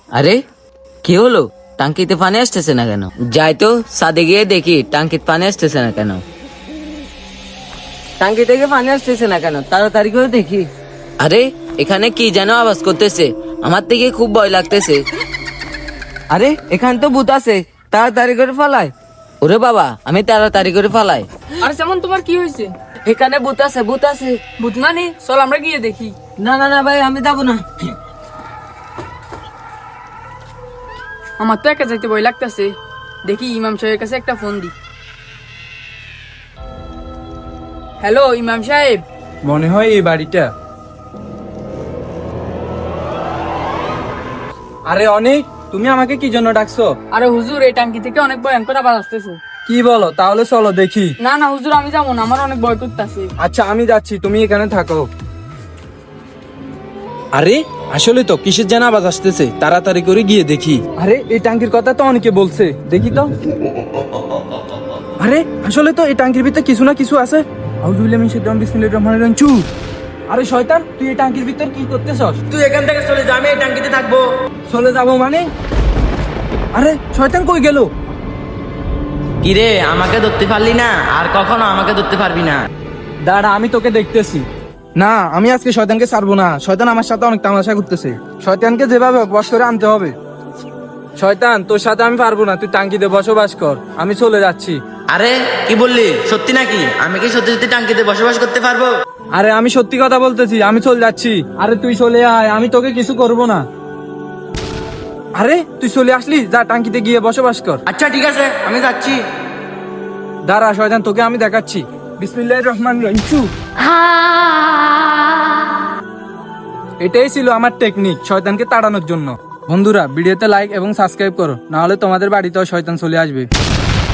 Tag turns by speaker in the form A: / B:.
A: আরে কি হলো? টাঙ্কিতে পানি আসতেছে না কেন? যাই তো ছাদে গিয়ে দেখি টাঙ্কিতে পানি আসতেছে না কেন। টাঙ্কি থেকে পানি আসতেছে না কেন? তাড়াতাড়ি করে দেখি। আরে এখানে কি যেন আওয়াজ করতেছে, আমার থেকে খুব ভয় লাগতেছে। আরে এখানে তো ভূত আছে, তাড়াতাড়ি করে ফালাই। ওরে বাবা, আমি তাড়াতাড়ি করে ফালাই।
B: আরে যেমন তোমার কি হয়েছে?
A: এখানে ভূত আছে, ভূত আছে।
B: ভূত মানে চল আমরা গিয়ে দেখি।
A: না না না ভাই, আমি যাবো না।
B: আমার তো একা যাইতে ভয় লাগতেছে। দেখি ইমাম সাহেবের কাছে একটা ফোন দি। হ্যালো ইমাম সাহেব।
C: মনে হয় এই বাড়িটা। আরে অনেক, তুমি আমাকে কি জন্য ডাকছো?
B: আরে হুজুর, এই টাঙ্কি থেকে অনেক ভয়ঙ্কর আওয়াজ আসতেছে।
C: কি বলো? তাহলে চলো দেখি।
B: না না হুজুর, আমি যাবো না, আমার অনেক ভয় করতেছে।
C: আচ্ছা আমি যাচ্ছি, তুমি এখানে থাকো। আরে আসলে তো কিসের যেন আওয়াজ আসতেছে, তাড়াতাড়ি করে গিয়ে দেখি। আরে এই টাঙ্কির কথা তো অনেকে বলছে, দেখি তো। আরে আসলে তো এই টাঙ্কির ভিতরে কিছু না কিছু আছে। আউযুবিল্লাহি মিনাশ শাইতানির বিসমিল্লাহির রহমানির রহিম। চুপ! আরে শয়তান, তুই এই টাঙ্কির ভিতর কি করতেছস?
D: তুই এখান থেকে চলে যা, আমি এই টাঙ্কিতে থাকবো।
C: চলে যাবো মানে? আরে শয়তান কই গেল?
D: কিরে, আমাকে ধরতে পারলি না, আর কখনো আমাকে ধরতে পারবি না।
C: দাঁড়া, আমি তোকে দেখতেছি। না, আমি আজকে শয়তানকে ছাড়বো না। শয়তান আমার সাথে অনেক তামাশা করতেছে। শয়তানকে যেভাবে হোক বশ করে আনতে হবে। শয়তান, তোর সাথে আমি পারবো না, তুই টাঙ্কিতে বসবাস কর, আমি চলে যাচ্ছি।
D: আরে কি বললি, সত্যি নাকি? আমি কি সত্যি সত্যি টাঙ্কিতে বসবাস করতে পারবো?
C: আরে আমি সত্যি কথা বলতেছি, আমি চলে যাচ্ছি। আরে তুই চলে আয়, আমি তোকে কিছু করব না। আরে তুই চলে আসলি, যা টাঙ্কিতে গিয়ে বসবাস কর।
D: আচ্ছা ঠিক আছে, আমি যাচ্ছি।
C: দাঁড়া শয়তান, তোকে আমি দেখাচ্ছি। বিসমিল্লাহির রহমানির রহিম। চুপ! এটাই ছিল আমার টেকনিক শয়তানকে তাড়ানোর জন্য। বন্ধুরা, ভিডিওতে লাইক এবং সাবস্ক্রাইব করো, না হলে তোমাদের বাড়িতেও শয়তান চলে আসবে।